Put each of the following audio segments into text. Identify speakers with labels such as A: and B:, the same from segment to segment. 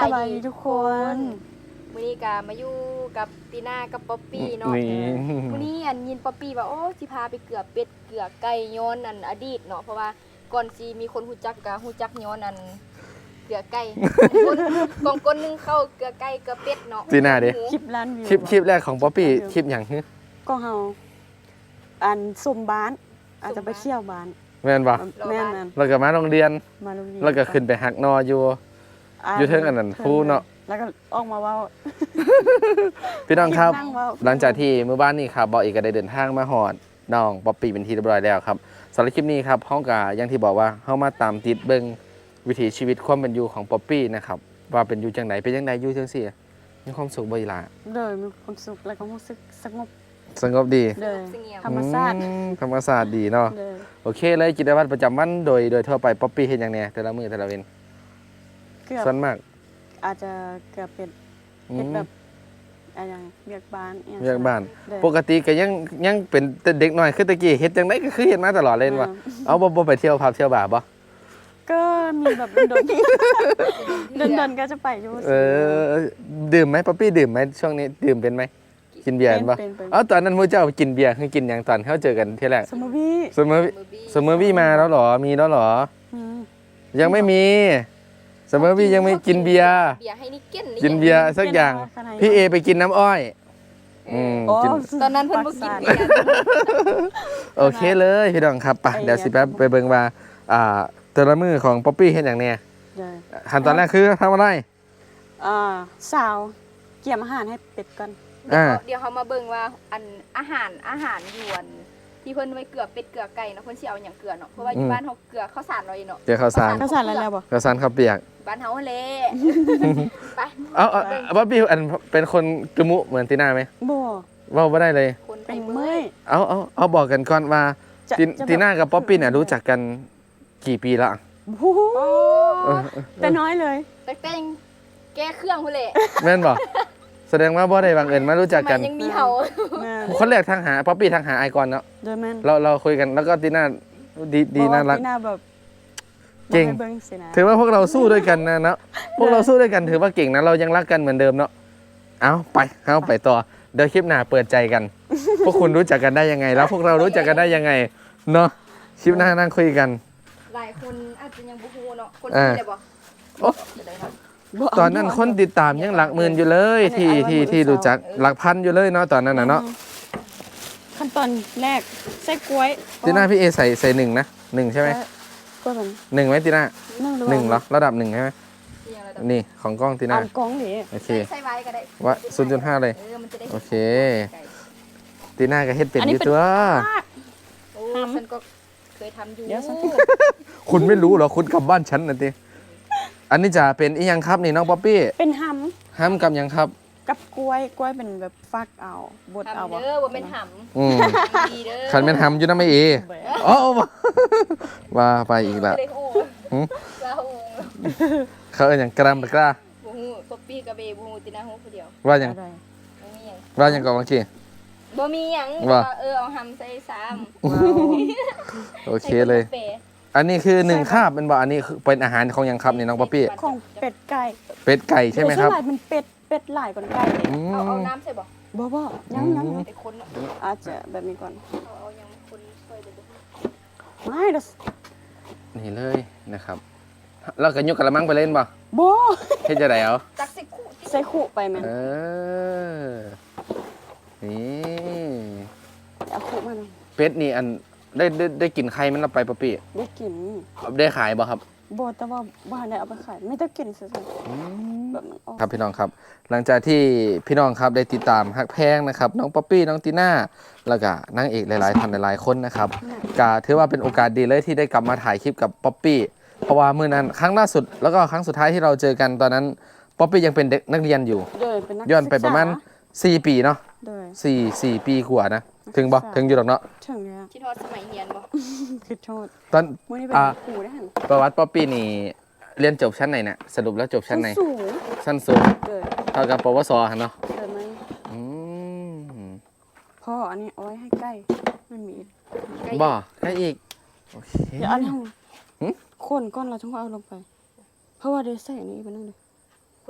A: บายดีทุกคน
B: มื้อนี้ก็มาอยู่กับตีน่ากับป๊อปปี้เนาะ
C: นี่
B: มื้อนี้อันยินป๊อปปี้ว่าโอ้สิพาไปเกลือเป็ดเกลือไก่ย้อนอันอดีตเนาะเพราะว่าก่อนสิมีคนฮู้จักก็ฮู้จักย้อนอันเกลือไก่กองคนนึงเข้าเกลือไก่เกลือเป็ดเนาะ
C: ตีน่าดิ
A: คลิปล้านวิว
C: คลิปแรกของป๊อปปี้คลิปอย่างฮึ
A: ก็เฮาอันซุ่มบ้านอาจจะไปเที่ยวบ้าน
C: แม่นบ่
A: แม่น
C: แล้วก็มาโรงเรียน
A: ๆมาโรงเรียน
C: แล้วก็ขึ้นไปหักนออยู่ อยู่เทิงอันนั้นภูเนาะ
A: แล้วก็ออกมาเว้า
C: พี่น้องครับ
A: นั่งเว้า
C: หลังจากที่เมื่อบ้านนี้ครับบอกอีกก็ได้เดินทางมาหอดน้องป๊อปปี้เป็นที่เรียบร้อยแล้วครับสำหรับคลิปนี้ครับเฮาก็อย่างที่บอกว่าเฮามาตามติดเบิ่งวิถีชีวิตความเป็นอยู่ของป๊อปปี้นะครับว่าเป็นอยู่จังไดเป็นจังไดอยู่จังซี่มีความสุขบ่อีหล่ะ
A: เลยมีความสุขแล้วก็รู้สึกสงบ
C: สงบดี
A: เลย
B: เสงี่ยม
A: ธรรมชาติ
C: ธรรมศาสตร์ดีเนาะ
A: เลย
C: โอเคเลยกิจวัตรประจำวันโดยทั่วไปป๊อปปี้เฮ็ดหยังแหน่แต่ละมื้อแต่ละเว้น
A: เกือบ
C: ส่วนมาก
A: อาจจะเกือบเป็น
C: อื
A: เฮ็ด
C: ม
A: แบบอะไรอย่างเวียกบ้านอิหยัง
C: เรื่องบ้าน
A: เลย
C: ปกติก็ยังเป็นแต่เด็กน้อยคือตะกี้เฮ็ดจังไดก็คือเฮ็ดมาตลอดเลยว่าเอาบ่ไปเที่ยวผับเที่ยวบาร์บ่
A: ก็มีแบบโดนๆโดนๆก็จะไปอยู่
C: ดื่มไหมป๊อปปี้ดื่มไหมช่วงนี้ดื่มเป็นไหมกินเบียร์เป็นปะ
A: เป็น
C: เอาตอนนั้นมูเจ้ากินเบียร์คือกินอย่างตอนเขาเจอกันที่แรก
A: สมมุติพี่
C: เสมอ
B: มือบี้
C: เสมอวี่มาแล้วเหรอมีแล้วเหรอ
A: อืม
C: ยังไม่มีเสมอวี่ยังไม่กินเบียร์
B: เบียร์ให้นิกเก้น
C: กินเบียร์สักอย่างพี่เอไปกินน้ำอ้อย
A: โอ้
C: อืมกิน
B: ตอนนั้นเพิ่นบ่กินเบียร์
C: โอเคเลยพี่น้องครับไปเดี๋ยวสิแป๊บไปเบิ่งว่าแต่ละมือของป๊อปปี้เฮ็ดอย่างเนี้ย
A: เลย
C: ขั้นตอนแรกคือทำอะไร
A: สาวเกี่ยมอาหารให้เป็ดก่อน
B: เดี๋ยวเขามาเบิ่งว่าอันอาหารยวนที่เพิ่นไว้เกลือเป็ดเกลือไก่เนาะเพิ่นสิเอาหยังเกลือเนาะเพราะว่าอยู่บ้านเฮาเกลือข้าวสารเราเองเนาะ
C: เจอข้าวสาร
A: ข้าวสารแล้วบ่
C: ข้าวสารข้าวเปียก
B: บ้านเฮาแหละไป
C: เอาป๊อปปี้อันเป็นคนกระมุเหมือนตีน่าไหม
A: บ่
C: ว่าไม่ได้เลย
B: คนไป
A: เป็น
B: เมื่
A: เมื่
B: อ
A: อย ย
C: เอาบอกกันก่อนว่า
A: จะ
C: ตีน่ากับป๊อปปี้เนี่ยรู้จักกันกี่ปีละ
A: โอ้โห
C: เออ
A: แต่น้อยเลย
B: แต่แต่งแก้เครื่องพุ่นแหละ
C: แม่นบอกแสดงว่าบ่ได้บังเอิญมารู้จัก
B: มั
C: กัน
B: นยังมีเฮา
A: แม่น
C: คนแรกทางหาป๊อปปี้ทางหาไอคอนเนาะ
A: โดยแม่น
C: เราคุยกันแล้วก็ตีน่าดีน่ารัก
A: ที่หน้าแบบ
C: เก่ง
A: บ่ให้เบิ่งสินะ
C: ถือว่าพวกเราสู้ด้วยกันนะเนาะพวกเราสู้ด้วยกันถือว่าเก่งนะเรายังรักกันเหมือนเดิมเนาะเอาไปต่อเดี๋ยวคลิปหน้าเปิดใจกัน พวกคุณรู้จักกันได้ยังไง แล้วพวกเรารู้จักกันได้ยังไงเนาะคลิปหน้านั่งคุยกัน
B: หลายคนอาจจะยังบ่ฮู้เนาะคน
C: อ่า
B: ที่ได้บ่
C: โอ้
B: จะได้เนาะ
A: บ่เา
C: ตอนนั้นคนติดตามยังหลักหมื่นอยู่เลยที่รู้จักหลักพันอยู่เลยเนาะตอนนั้นนะเนาะ
A: ขั้นตอนแรกใส่กล้วย
C: ตีน่าพี่เอใส่หนึ่งนะหนึ่งใช่ไหม
A: กล้วยมัน
C: หนึ่งไหมตีน่า
A: หนึ่ง
C: หนึ่งเหรอระดับหนึ่งใช่ไหม
B: ที่ยังระดับ
C: นี่ของกล้องตี
A: เอา
C: น่า
A: กล้องดิ
C: โอเค
B: ใส่ไว้ก็ได้
C: ว่า0.5เลย
B: มันจะได้
C: โอเค ตีน่าก็เฮ็ดเป็นอยู่ตัว
B: โอ้ฉันก็เคยทำอยู่
A: เดี๋ยวฉัน
C: คุณไม่รู้เหรอคุณกลับบ้านฉันนะติอันนี้จะเป็นอีหยังครับนี่น้องป๊อปปี้
A: เป็นห
C: ห้ามกับหยังครับ
A: ำกับกล้วยกล้วยเป็นแบบฟักเอาบดเอา
B: ทำเด้อบ่เป็นห
C: อืม
B: ำดีเด้อ
C: ขันเป็นห้ำอยู่นะไม่เออ๋อว่าไปอีกละ
B: ไม่ได้โอ้
C: หืม
B: ลาโอ้
C: เขาเอ็นอย่างกรามกล้า
B: บ่ฮู้ป๊อปปี้กับเบบ่ฮู้ตินาฮู้ผู้เดียว
C: ว่าอย่าง
A: อะไร
B: บ่มีหยัง
C: ว่าอย่างก่อนเมื่อกี้
B: บ่มีหยัง
C: ว่า
B: เอาหำใส่ซ้ำ
A: ว้าว
C: โอเคเลย อันนี้คือหนึ่งคาบเป็นบ่อันนี้คือเป็นอาหารของหยังครับนี่น้องป๊อปปี้
A: ของเป็ดไก่
C: เป็ดไก่ใช่ไหมครับ
A: โดยส่วนใญ่เป็นเป็ดหลายกว่าไก่
C: อื
B: เอา
C: ม
B: น้ำใส่บ่
A: บ่ยัง
B: ไอ้คนเนาะ
A: อาจจะแบบนี้ก่อน
B: เอายังคนช่วยเลยบ่
A: ไม่เด้อ
C: นี่เลยนะครับเราก็ยกกระมังไปเล่นบ่
A: บ่
C: เฮ็ดจะได้เอา
B: จักสิคู่ติ
A: ใส่ขู่ไปแม่น
C: เออนี่
A: เอาขู่มาหน่อย
C: เป็ดนี่อันได้กินไข่มันเอาไปป๊อปปี้
A: ได้กิน
C: ได้ขายบ่ครับ
A: บ่แต่ว่าบ่ได้เอาไปขายไม่ได้กินซื่อๆแบบมันออก
C: ครับพี่น้องครับ หลังจากที่พี่น้องครับได้ติดตามฮักแพงนะครับน้องป๊อปปี้น้องตีน่าแล้วก็นางเอกหลายๆท่านหลายๆคนนะครับก็ถือว่าเป็นโอกาสดีเลยที่ได้กลับมาถ่ายคลิปกับป๊อปปี้เพราะว่ามื้อนั้นครั้งล่าสุดแล้วก็ครั้งสุดท้ายที่เราเจอกันตอนนั้นป๊อปปี้ยังเป็นเด็กนักเรียนอยู่
A: โดยเป็นนัก
C: ย้อนไปประมาณ 4 ปีเนาะ
A: โดย
C: 4 ปีกว่านะถึงบ่ถึงอยู่หรอกเนาะ
A: ถึงแล้ว
B: ที่ทอดสมัยเรียนบ่
A: คือโทษ
C: ตอน
A: มื้อนี้เป็นครูได้หั่น
C: ประวัติป๊อปปี้นี่เรียนจบชั้นไหนเนี่ยสรุปแล้วจบชั้นไหน
A: สูง
C: ชั้นสูง
A: โดย
C: เท่ากับปวสหั่นเนาะ
A: โดยมัน
C: อืม
A: พ่ออันนี้เอาไว้ให้ใกล้มันมี
C: บ่ใกล้อีกโอเค
A: เดี๋ยวอันนี้
C: หึ
A: คนก้อนเราต้องเอาลงไป เพราะว่าเดี๋ยวใส่อันนี้ไปนั่นเลย
B: คุณ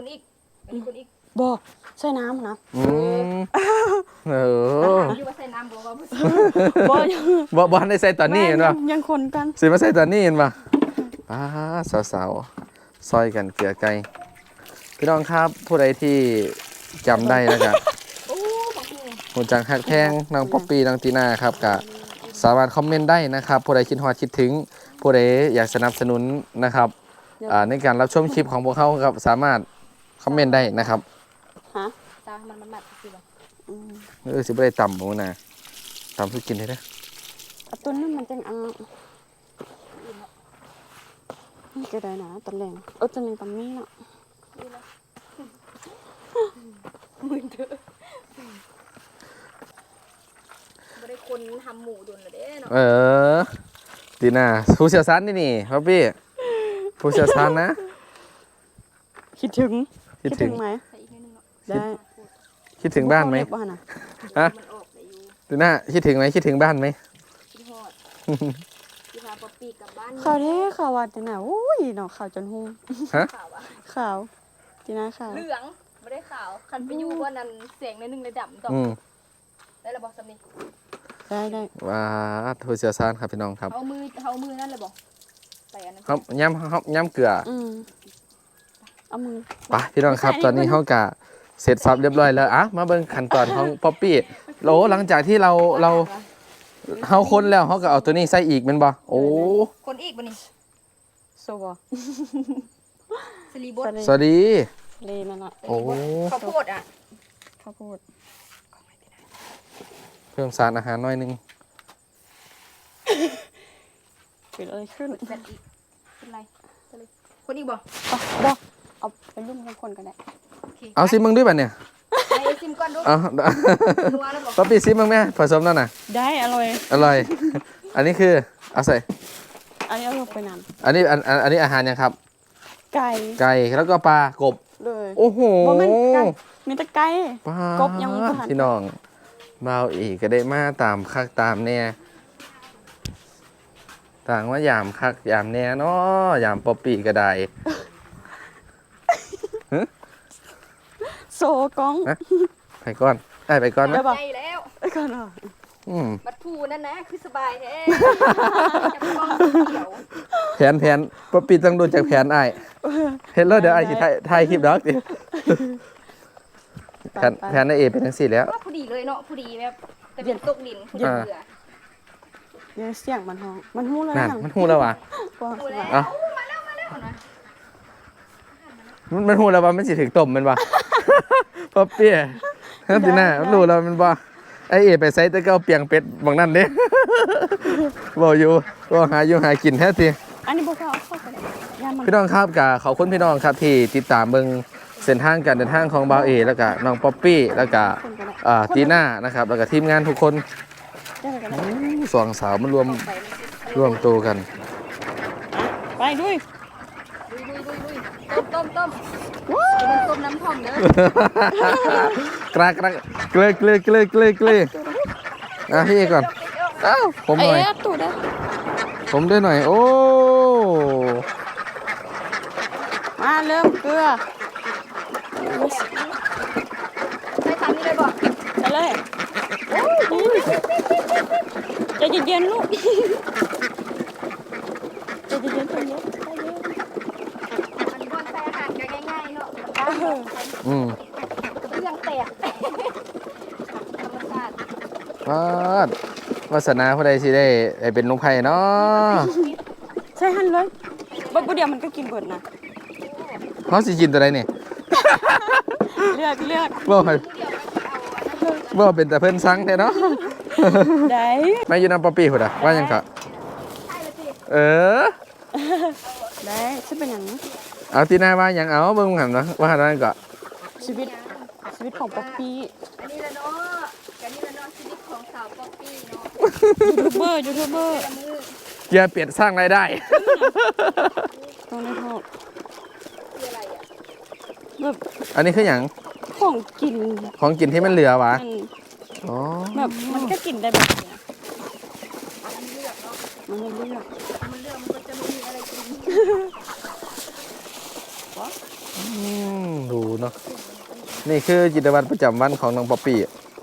B: อีกอันนี้คนอีก
A: บ่ใส่น้ำนะ
C: เออ
B: อยู่ว่าใส่น้ำบ่ว่า
A: บ่ยัง
C: บ่ได้ใส่ตอนนี้เห็นป่ะ
A: ยังคนกัน
C: สิมาใส่ตอนนี้เห็นป่ะสาวๆซอยกันเกลือไก่พี่น้องครับผู้ใดที่จำได้แล้วก็
B: โอ้บางที
C: หูจังฮักแพงน้องป๊อปปี้น้องตีน่าครับก็สามารถคอมเมนต์ได้นะครับผู้ใดคิดฮอดคิดถึงผู้ใดอยากสนับสนุนนะครับในการรับชมคลิปของพวกเขาครับสามารถคอมเมนต์ได้นะครับ
A: ฮะ
B: ตามันมัดสิบ่
C: สิบ่ได้ต่ำบ่นะต่ำสุดกินได้เด้อ
A: เอาตัวนี้มันจังเอานี่ก็ได้นะตะแหลงตะแหลงตำนี้เนาะ
B: มึงเด้อบ่ได้คนทำหมูดุนละเด้เนาะ
C: ตีน่าผู้เชี่ยวชาญนี่ป๊อปปี้ผู้เชี่ยวชาญนะ
A: คิดถึง
C: คิดถึง
A: ไหม
B: ใส่อีกนิดนึงเนาะ
A: ได้
C: คิดถึงบ้านไหม
A: บ้านน่ะ
C: ฮะ
B: มันออกได้อยู่
C: ตีน่าคิดถึงไหมคิดถึงบ้านไหม
B: คิดฮอดสิพาป๊อปปี้กลับบ้าน
A: ข่าวเด้ข่าวว่าจังไหนโอ้ยเนาะข่าวจนหุ่ม
C: ฮะ
B: ข่าวอะ
A: ข่าวจีน่าข่าว
B: เหลืองไม่ได้ขาวคันไปอยู่ว่านั้นเสียงในหนึงเลยดำต่อ
C: อืม
B: ได้ระบอกสำนี
A: ได้
C: ว้าผู้เชี่ยวชาญครับพี่น้องครับ
B: เอามือนั่นเลยบอกใส่อันนั้น
C: ครับย้ำเกลือ
A: เอามือ
C: ไปพี่น้องครับ
A: ไม่ใช่
C: ตอนนี้เขากะเสร็จสับเรียบร้อยแล้วมาเบิ่งขั้นตอนของป๊อปปี้โหลหลังจากที่เราเฮาค้นแล้วเขาก็เอาตัวนี้ใส่อีกแมันบ่โอ้
B: คนอีกบ่นี่
A: โซบอ
B: สลีบด
C: สวัสดี
A: เลนั่นน่ะ
C: โอ้
B: ข้าวโพดอ่ะ
A: ข้าวโพด
C: เพิ่มสารอาหารหน่อยนึง
A: เกิดอะไรขึ้น
B: แบบอีกเป็นไรเป็นไรคนอีกบ่
A: บ่เอาไปรุ่มทั้งคนกันได้
B: โอเค
C: เอาซิมึงด้วยบัดเนี่ย
B: ไอ้ซิมก่อนดู
C: เอา
B: นัวแล้วบอก
C: ป๊อปปี้ซิมึงแม่ผสมนั่นน่ะ
A: ได้อร่อย
C: อร่อย อันนี้คือเอาใส่
A: อันนี้เอาลงไปนาน
C: อันนี้อาหารยังครับ
A: ไก่
C: ไก่แล้วก็ปลากบ
A: เลย
C: โอ้โห
A: บ่แม่นไก่มีแต่ไก่
C: ปลาก
A: บยังบ่ทัน
C: พี่น้องเบาอีกก็ได้มาตามคักตามแน่ต่างว่ายามคักยามแน่เนาะยามป๊อปปี้ก็ได้
A: โซกล้อง
C: ไปก่อนไปก่อน
A: ได้
C: นะ
A: ปะ
B: ใจแล้ว
A: ไอ้ก่อนเหรอ
B: บัดพูนั่นนะคือสบายแท้จะไปกองเขียว
C: แผนป๊อปปี้ต้องดูจากแผนไอ้ายเห็นแล้วเดี๋ยวไอ้ายสิถ่ายคลิปดอกดิแผนในเอเป็นจังซี่แล้ว
B: ว่าพอดีเลยเนาะพอดีแบบแต่เป็นตกดินพอดีเบื่อ
A: เดี๋ยวเสียงมันห้องมันหู้แล้ว
C: นั่น
A: ยัง
C: มันหูแล้วว่ะ
A: บ่
B: ดูแล้ว
C: อ่ะ
B: มาแล้วนะ
C: มันหูแล้วว่ามันสิถึงต้มแมันบ่ ป๊อปปี้ฮะติน่ามันรู้แล้วแมันบ่ไอ้เอไปใส่แต่ก็เอาเปียงเป็ดบางนั่นเด้ บ่อยู่บ่หาอยู่หากินแท้ที
A: อันนี้บ่เข้าเอาเข้าไปได้ย่ามัน
C: พี่น้องครับกับขอบคุณพี่น้องครับที่ติดตามเบิ่งเส้นทางการเดินทางของบ่าวเอแล้วก็น้องป๊อปปี้แล้วก็
A: คนกันได้
C: ตีน่านะครับแล้วก็ทีมงานทุกคน
A: ได้กันได้
C: สองสาวมันรวมตัวกัน
A: ไปด้วย
B: ลุยต้มมันต้มน้ำท่อมเด้อก
C: ระเกลือพี่เอก่อนอ้าวผมหน่อย
A: เอ๊ะตูดได้
C: ผมด้วยหน่อยโอ้
A: มาเริ่มเกลือ
B: ใช้ตามนี้เลยบอก
A: ไปเลยใจเย็นๆลูกใจเย็นๆใจเย็น
B: มันบอนใส่อาหารกันง่ายๆเนาะ
C: อืม
B: เรื่องแตกธรรมชาติ
C: วาสนาผู้ใดสิได้เป็นลุงไผ่เนาะ
A: ใช่หันเลยบ่เดี๋ยวมันก็กินเบิดนะ
C: เขาสิกินตัวใดนี่
A: เลือก
C: บ่ให้บ่เป็นแต่เพิ่นสั่งแท้เนาะ
A: ได้
C: แม่อยู่นำป๊อปปี้พุ่นน่ะว่าหยังก็เออ
A: ได้จะเป็นอย่างนี้
C: เอาตีหน้าว่าหยังเอาเบิ่งหั่นเนาะว่าหั่นนั่นก็
A: ชีวิตของป๊อปปี้
B: อันนี้ละเนาะกันนี่ละเนาะชีวิตของสาวป๊อปปี้เนาะ
A: ยูทูบเบอร์
B: ละมือ
C: เกียร์เปลี่ยนสร้างรายได้
A: ต้องได้ทอด
B: คืออะไรอ่ะ
A: แบบ
C: อันนี้คือหยัง
A: ของกิน
C: ของกินที่มันเหลือวะ
A: มัน
C: อ๋อ
A: แบบมันก็กินได้แบบนี้
B: มันเลือกเนาะ
A: มันไม่เลือก
B: มันเลือกมันก็จะไม่มีอะไรกิน
C: ดูเนาะนี่คือกิจวัตรประจำวันของน้องป๊อปปี้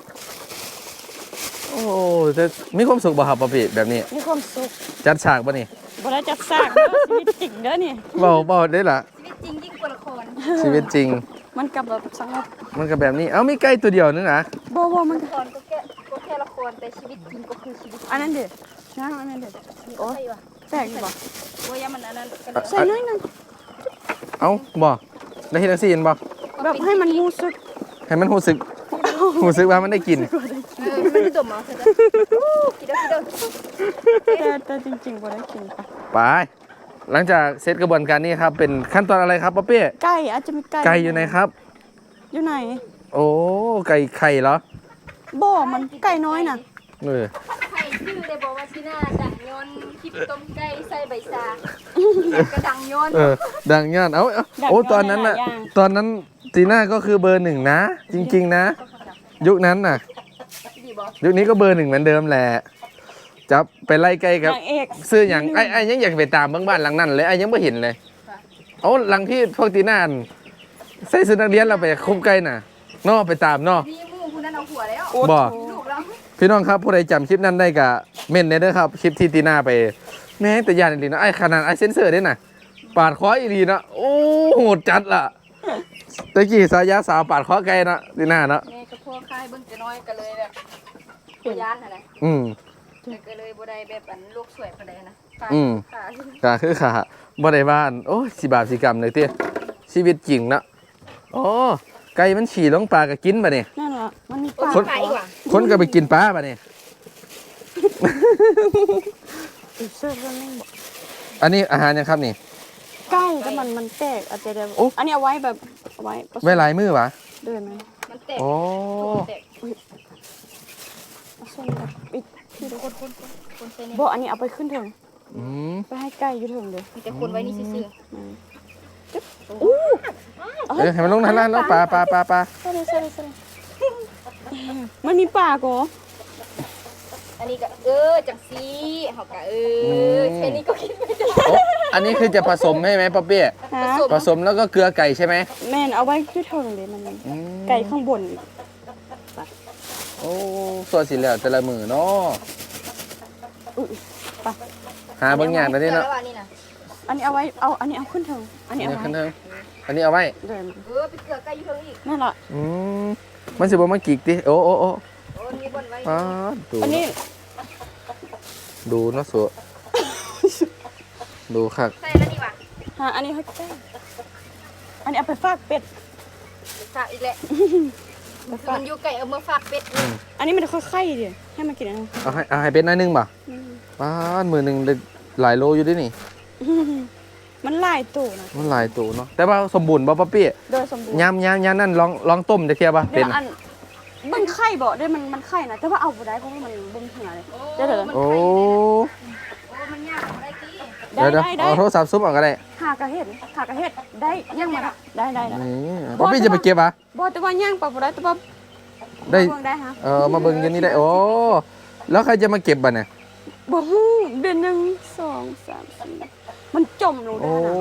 C: โอ้จะมีความสุขบ่ครับป๊อปปี้แบบนี้
A: มีความสุข
C: จัดฉากบ่นี่
A: บ่ได้จัดสร้างเด้อชีวิตจริงเด้อนี่
C: เบาได้ล่ะ
B: ชีวิตจริงยิ่งกว่าละคร
C: ชีวิตจริง
A: มันกับแบบสงบ
C: มันก็แบบนี้เอ้ามีไก่ตัวเดียวนึงนะ
A: บ่มัน
B: ละครก็แค่ละครแต่ชีวิตจริงก็คือชีวิต
A: อันนั้นเด้นะอันนั้นเด้โอ้
B: ใช่ป่ะ
A: แปลกอยู่บ่
B: โอ้ยมันอันนั้นกัน
A: ใส่น้อยหนึง
C: เอ้าบ่ได้เฮ็ดจังซี่เห็นบ่
A: แบบให้มันรู้สึก
C: ให้มันรู้สึกว่ามันได้กิน
B: มันจะดมเหรอเธอจะคิดเด้อ
A: แต่จริงๆบ่ได้กินค่ะ
C: ไปหลังจากเสร็จกระบวนการนี้ครับเป็นขั้นตอนอะไรครับป๊อปปี้
A: ไก่อาจจะมีไก่
C: ไก่อยู่ไหนครับ
A: อยู่ไหน
C: โอ้ไก่ไข่เหรอ
A: บ่มันไก่น้อยน่ะ
C: เออ
B: ใครชื่อเลยบอกว่าที่หน้าดังยนคลิปต้มไก่ใส่ใบซากระดังยน
C: เออดังยอดเอาโอ้ตอนนั้นน่ะตอนนั้นจีน่าก็คือเบอร์หนึ่งนะ จริง ๆ นะ ยุคนั้นน่ะ
B: ดีบอก
C: ยุคนี้ก็เบอร์หนึ่งเหมือนเดิมแหละจับไปไล่ไก่กับ
A: นางเอก
C: ซื้ออย่างไอ้ยังอยากไปตามบ้านหลังนั้นเลยไอ้ยังไม่เห็นเลยเอาหลังที่พวกตีน่าใส่ชุดนักเรียนเราไปคุมไก่น่ะนอไปตามนอ
B: มีมู่คุณนั่นเอาหัวแล้ว
C: บ่
B: ลูกเรา
C: พี่น้องครับผู้ใดจำคลิปนั้นได้กะเม่นเด้อครับคลิปที่ตีน่าไปแม่งแต่ยานอีหลีนะไอ้ขนาดไอ้เซนเซอร์ได้น่ะปาดคออีหลีนะโอ้โหดจัดล่ะตะกี้สายยาสาวปาดคอไก่นะตีน่าเนาะ
B: แม่กับพ่อค่ายเบิ่งจะน้อยกันเลยแบบตัวยานนะ
C: อืม
B: แต่ก็เลยบ่ได้แบบอันลูกสวยปานใดนะ
C: อืม
B: ค่ะ
C: ก็คือขาบ่ได้บ้านโอ้ยสิบาปสิกรรมเลยเตี้ยชีวิตจริงเนาะโอ้ไก่มันฉี่ลงปลาก็กินป่ะเนี่ย
A: นั่นล่ะมันมี
B: โอ้
A: ปาก
B: ยไปอีกว่ะ
C: คนก็ไปกินปลาป่ะเนี่ย
A: อีกเสื้อเรื่องนึงบ่
C: อันนี้อาหารยังครับนี่
A: ไก่แต่มันแตกอาจจะได้
C: โอ้
A: อันนี้เอาไว้แบบเอาไว้ผสม
C: ไว้หลายมือวะ
A: เดินไหม
B: มันแตก
C: โอ้
B: แตก
A: เอาส้นแบบปิดที่ทุกคน
B: คนใส่เนี่ย
A: บ่อันนี้เอาไปขึ้นเถิง
C: อืม
A: ไปให้ไก่อยู่เถิงเด้อ
B: มีแต่คนไว้นี่ซื่อ
C: เอ้ยให้มันลงนั่นแล้วปลา
A: ใส่เลยมันมีปากเหรอ
B: ๆอันนี้ก็จังซี่เฮาก็แค่นี้ก็คิดไม่ได้
C: โอ้อันนี้คือจะผสมใช่ไหมป๊อปปี้
A: ฮะ
C: ผสมแล้วก็เกลือไก่ใช่ไหม
A: แม่นเอาไว้อยู่เถิงเด้มัน
C: อืม
A: ไก่ข้างบนอีก
C: โอ้ส่วนสิแล้วแต่ละมือเนาะ
A: อุ๊ยไป
C: หาบางอย่างตอนนี้เนาะ
B: แล้วอันนี้นะ
A: อันนี้เอาไว้อันนี้เอาขึ้นเถิงอันนี้
C: อัน
A: เอา
C: นี้
A: ไว้
C: ขึ้นเทิงอันนี้เอาไว้
A: เดิน
B: ไปเกลือไก่อยู่เทิงอีก
A: นั่นล่ะ
C: อืมมันสิบ่มากิกดิโอ้
B: โอ้มีบนไว้
C: อ๋อดู
A: อันนี้
C: ดูเนาะสัวดูคัก
B: ใส่แล้วนี่ว่ะ
A: อันนี้ให้ไก่อันนี้เอาไปฝากเป็ด
B: ฝากอีกแหละมันอยู่ไก่เอามาฝากเป็ด
A: อันนี้มันจะค่อยไข่ดิให้มันกินอันนั้น
C: เอาให้เป็นหน้อยหนึงป่ะป้าดมือหนึ่งได้หลายโลอยู่ด้วยนี่
A: มันหลายตัวนะ
C: มันหลายตัวเนาะแต่ว่าสมบูรณ์ป่ะป้าปี้
A: โดยสมบูรณ์
C: ยำนั่นลองต้มจะเทียบป่ะ
A: เดี๋
C: เป็
A: ยวน อันมันไข่บ่ได้มันไข่นะแต่ว่าเอาบ่ได้เพราะว่ามันเบิ่งเหือเลยเดี๋ยว
C: โอ้
B: มันยากได้กี่
C: เดี๋ยว
A: ได้
C: เอาโทรศัพท์ซุปออกก็ได้
A: หากระเฮ็ดได้ย่างมาได้
C: นี่ป้าปี้จะไปเก็บป่ะ
A: บ่แต่ว่าย่างปะบ่ได้แต่ว่า
C: ได้
A: เบิ่งได้ฮะ
C: มาเบิ่งอยันนี้ได้โอ้แล้วใครจะมาเก็บบ่เนี่ย
A: บ่ฮู้เดือน1 2 3 4มันจมลงได้
C: โอ้
A: นะ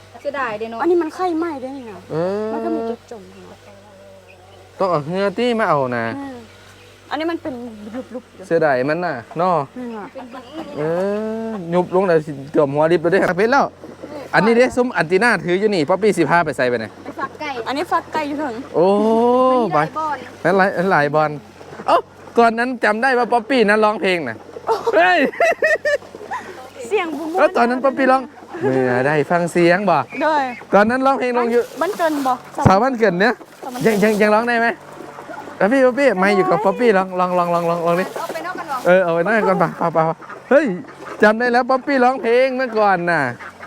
B: เสียดายเด้เนาะ
A: อันนี้มันไข่ไหม้ได้นี่นะ
C: เอ
A: มันก็มี
C: อ
A: จุดจมอยู่
C: ต้องเอาเฮือตี้มาเอานะ
A: อันนี้มันเป็นลุบๆอยู่
C: เสียดายมันน่ะเนาะ
A: นี่ล่ะ
B: เป็นบึ้ง
C: ยุบลงเลยเกือบหัวริบเลยเด้อเพชรแล้ว อันนี้เด้ซุ้มอันติน่าถืออยู่นี่ป๊อปปี้สิพาไปใส่ไปไหน
B: ไปฝากไก่
A: อันนี้ฟักไก่อยู่ถึง
C: โอ้ไป
B: บอล
C: นั่นหลายบอลเอ้าก่อนนั้นจำได้ว่าป๊อปปี้นั้นร้องเพลงน่ะเฮ้ย
A: เสียงบุ้ม
C: แล้วตอนนั้นป๊อปปี้ร้องเมื่อได้ฟังเสียงบ่
A: โดย
C: ตอนนั้นร้องเพลงลงอยู่
A: มันเกินบ่
C: สาวบ้านเกิดเนี้ยยังร้องได้ไหมป๊อปปี้ไม่อยู่กับป๊อปปี้ลองดิ
B: เอาไปนอกกันหรอ
C: เอาไว้หน้าก่อนป่าเฮ้ยจำได้แล้วป๊อปปี้ร้องเพลงเมื่อก่อนน่ะ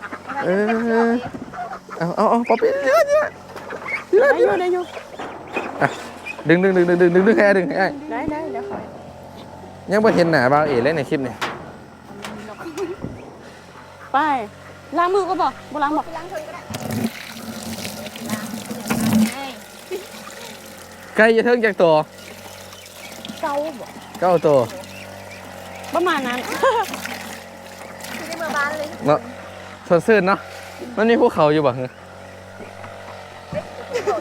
C: เอาป๊อปปี้เยอะ
A: ได้อยู่
C: ดึงให้ดึงให้
A: ได้เดี๋ยวขอ
C: ยังไม่เห็นหน้าบ่าวเอ๋เลยในคลิปนี่
A: ไปล้างมือก็บ่บ่ล้างบ่
B: ล้างเทิงก็ได้
C: ไก่จะเทิงจากตัว
A: เกาบ่
C: 9 ตัว
A: ประมาณนั้น
B: ที่ได้เมื่อบ้านเลย
C: เนาะสดชื่นเนาะมันมีภูเขาอยู่บ่ฮะ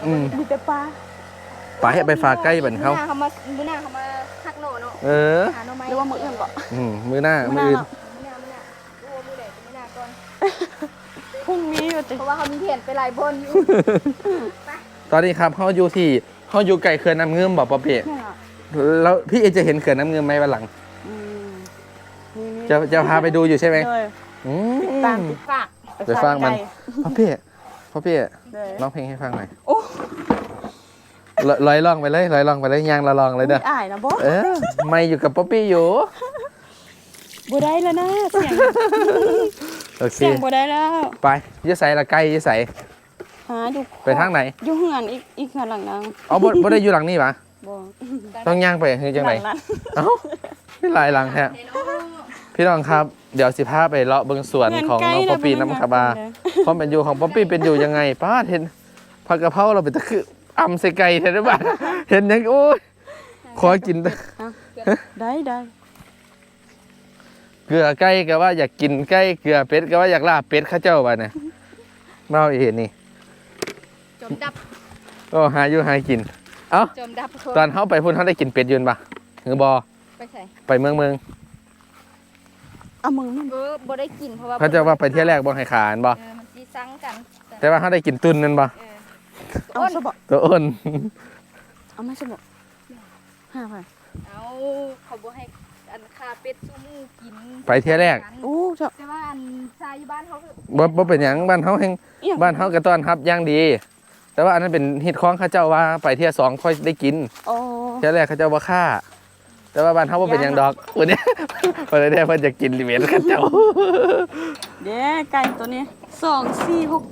C: อืม
A: มีแต่ปลา
C: ไปให้ไปฝากใกล้บันเขา
B: มื้อหน้าเขามาฮักโหนเนาะ
C: เออ
B: หาหน่อไม้
A: หรือว่ามื้ออื่นก็
C: มือหน้ามืออื่น
B: มื้อหน้าดูว่ามื้อใดเป็นมื้อหน้าก่อน
A: พรุ่งนี้อยู่ติ
B: เพราะว่าเขามีแผนไปหลายบนอยู่
C: ตอนนี้ครับเขาอยู่ไกลเขื่อนน้ำเงื่อมบอกป๊อปปี้
A: เนี่ย
C: แล้วพี่เอจะเห็นเขื่อนน้ำเงื่อมไหมวันหลัง
A: อืมนี่
C: จะพาไปดูอยู่ใช่ไหม
A: เลย
C: อืม
A: ตามติด
B: ฝาก
C: ไปฟังมัน
A: ไก่
C: ป๊อปปี้
A: เลย
C: ร้องเพลงให้ฟังหน่อย
A: โอ้
C: ลอยล่องไปเลยยางละลองเลยเด้อ
A: อายนะบ่
C: เออไม่อยู่กับป๊อปปี้อยู่
A: บ่ได้แล้วนะเสียง
C: โอเค
A: เสียงบ่ได้แล้ว
C: ไปยะใส่ละใกล้ยะใส่
A: หาอยู่
C: ไปทางไหน
A: อยู่เฮือนอีกเฮือนหลังนึง
C: อ๋อบ่ได้อยู่หลังนี่ปะ
A: บ่
C: ต้องย่างไปคือจังไหน
A: หลันั้น
C: เอ้าไม่หลายหลังแท้
B: เดี๋ยวน้อง
C: พี่น้องครับเดี๋ยวสิพาไปเลาะเบิ่งสวนของน้องป๊อปปี้น้ำคาบาความเป็นอยู่ของป๊อปปี้เป็นอยู่ยังไงป้าเห็นผักกะเพราเราเป็นตะคืออำใส่ไก่แท้หรือเปล่าเห็นยังโอ้ยขอกินเด้อ
A: ได้
C: เกลือไก่ก็ว่าอยากกินไก่เกลือเป็ดก็ว่าอยากลาบเป็ดข้าเจ้าบ้านะมาเอาอีเห็นนี่
B: จมดับ
C: ก็หาอยู่หากินเอ้า
B: จมดับ
C: ตอนเขาไปพุ่นเขาได้กินเป็ดยืนปะหรือบอ
B: ไปใส่
C: ไปเมือง
A: เอามึงนั่น
B: บ่ได้กินเพราะว่า
C: เขาจะว่าไปเที่ยวแรกบ่ให้ขานบ่
B: มันสิซังกัน
C: แต่ว่าเขาได้กินตุนนั่นบ่
A: เอาซะบ่
C: ตัวอ้น
A: เอามาซะบ่หาไป
B: เอาเขาบ่ให้อันคาเป็ดซูมูกิน
C: ไปเที่ยวแรก
A: โอ้เจ้า
B: แต่ว่าอันชายอยู่บ้านเขาคือ
C: บ่เป็นหยังบ้านเขาแห่ง
A: อีหยัง
C: บ้านเขากระต้อนรับอย่างดี แต่ว่าอันนั้นเป็นฮิตของเขาเจ้าว่าไปเที่ยวสองค่อยได้กิน
A: โอ้
C: เที่ยวแรกเขาเจ้าบ่ค่าแต่ว่าบ้านเขาบ่เป็นหยังดอกวันนี้ วันนี้เพิ่นจะกินลิเวนเขาเจ้า
A: เด้ไก่ตัวนี้2 4 6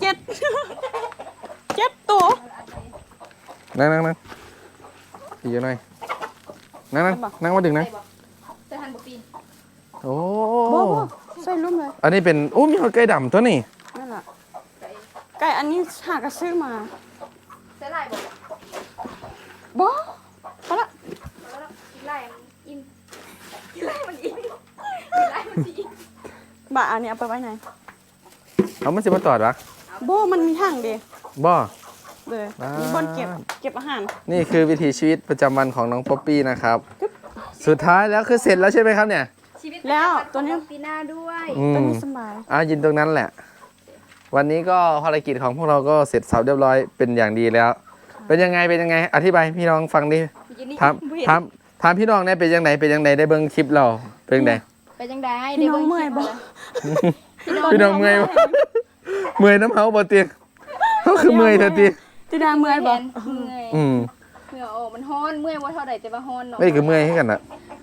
A: 7 7ตัว
C: นั่งอีกหน่อยนั่งมาดึงนะ
B: ใส่บ่ใส่หันบ่ปีน
C: โอ้
A: บ่ใส่ลุ่มเลย
C: อันนี้เป็นโอ้มีหอยไก่ดำตัวนี้
A: นั่นล่ะ
B: ใส่
A: ไก่อันนี้หากระซื้อมา
B: ใส่ลายบ่
A: บ่พอละ
B: แล้วกินลายมันอิ่มกินลายมันอิ่มกินลายมันสิอิ่ม
A: บ่าอันนี้เอาไปไว้ไหน
C: เอามันสิมาตอดวะ
A: บ่มันมีทางเด้
C: บ่
A: เลย
C: อ่ามี
A: มีบ่อนเก็บอาหาร
C: นี่คือวิถีชีวิตประจำวันของน้องป๊อปปี้นะครับ สุดท้ายแล้วคือเสร็จแล้วใช่ไหมครับเนี่ย
B: ชีวิต
A: แล้ว
B: ประจำน
A: ตัวเนี้ย
B: ของปีหน้าด้วย
C: อื
A: ตัว
C: ม
A: นี้สบาย
C: ยินตรงนั้นแหละ วันนี้ก็ภารกิจของพวกเราก็เสร็จสับเรียบร้อยเป็นอย่างดีแล้ว เป็นยังไงอธิบายให้พี่น้องฟังดิ
B: ยินดี
C: ถามถามพี่น้องเนี่ยเป็นยังไงได้เบิ่งคลิปเราเป็นยังไง
B: ไปจังได๋
A: พี่น้องเมื่อยบ่
C: พี่น้องเมื่อยบ่ เมื่อยน้ำเฮาบ่ติเขาคือเมื่อยเถอะติ
A: ติดาเมื่อยบ่
B: เมื่อย
C: อืม
B: เมื่อยโอ้มันฮ้อนเมื่อยว่าเท่าใดแต่ว่าฮ้อนเนาะ
C: ไม่คือเมื่อยให้กันน่ะ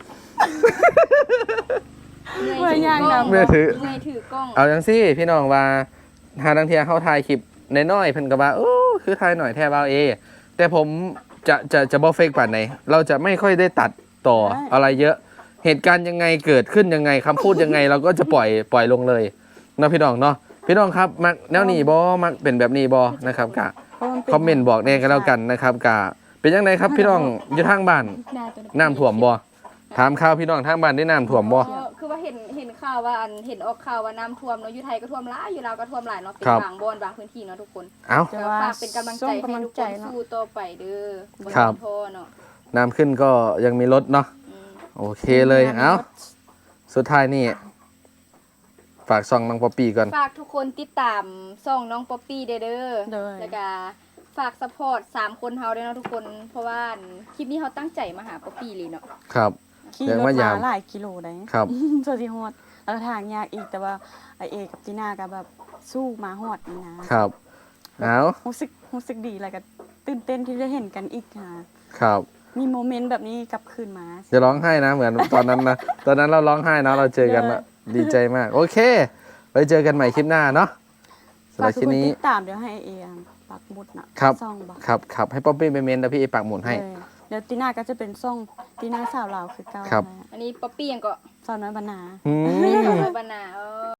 A: เมื่อยย่างดำ
C: เมื่อยถือ
B: เมื่อยถือกล้อง
C: เอาจังซี่พี่น้องว่าหาดังเทียเขาถ่ายคลิปน้อยๆเพิ่นก็ว่าโอ้คือถ่ายหน่อยแท้บ่าวเอ แต่ผมจะบ่เฟกปานไหนเราจะไม่ค่อยได้ตัดต่ออะไรเยอะ เหตุการณ์ยังไงเกิดขึ้นยังไงคำพูดยังไง เราก็จะปล่อยลงเลยเนาะพี่น้องเนาะพี่น้องครับมักแนวนี้บ่มักเป็นแบบนี้บ่นะครับกะคอมเมนต์บอกแน่กันแล้วกันนะครับกะเป็นยังไงครับพี่น้องอยู่ทางบ้าน
B: หน้าตัว
C: น้ำท่วมบ่ถามข่าวพี่น้องทางบ้านได้น้ำท่วมบ่
B: คือว่าเห็นข่าวว่าอันเห็นออกข่าวว่าน้ำท่วมเนาะอยู่ไทยก็ท่วมหลายอยู่ลาวก็ท่วมหลายเนาะเป็น
C: ครับ
B: บางบ่อนบางพื้นที่เนาะทุกคน
C: เอ้า
A: แต่
B: ก็
A: ว่า
B: ฝากเป็นกำลังใจ
A: ส่
B: ให้
A: กำลัง
B: ทุก
A: ใจ
B: คน
A: เนาะ
B: สู้ต่อไปเด้อบ่
C: ครับ
B: ต้องท้อเนาะ
C: น้ำขึ้นก็ยังมีรถเนาะ
B: อืม
C: โอเคเลยเอ้าสุดท้ายนี่ฝากซองน้องป๊อปปี้ก่อน
B: ฝากทุกคนติดตามช่องน้องป๊อปปี้เด้อ
A: เด้อ
B: แล้วก็ฝากซัพพอร์ต3คนเฮาด้วยเนาะทุกคนเพราะว่าคลิปนี้เฮาตั้งใจมาหาป๊อปปี้เลยเนาะ
C: ครับ
A: ขี่
C: เดี๋ยว
A: รถ
C: มายาม
A: มาหลายกิโลได้
C: ครับ
A: สวัสดีฮอดแล้วทางยากอีกแต่ว่าไอเอกับจีน่าก็แบบสู้มาฮอดนี่นะครับ
C: เอา
A: รู้สึกดีแล้วก็ตื่นเต้นที่ได้เห็นกันอีกค่ะ
C: ครับ
A: มีโมเมนต์แบบนี้กลับคืนมา
C: จะร้องไห้นะเหมือนตอนนั้นนะ ตอนนั้นเราร้องไห้นะเราเจอกันละดีใจมาก โอเค ไว้เจอกันใหม่คลิปหน้าเนาะสำห
A: ฝา
C: รั
A: ก
C: บ
A: ทุ
C: คลิ
A: ก
C: ป
A: คน
C: นี้
A: ติดตามเดี๋ยวให้เอปักหมุดนะครับ ซ่องบ่
C: ครับให้ป๊อปปี้ไปเมนแล้วพี่เอปักหมุนให้
A: เออเดี๋ยวตีน่าก็จะเป็นซ่องตีน่าสาวลาวคือเก่า
C: ครับ
A: นะ
B: อันนี้ป๊อปปี้ยังก็
A: สาวน้อยบรรณา
C: อืม
B: มีน้องบานา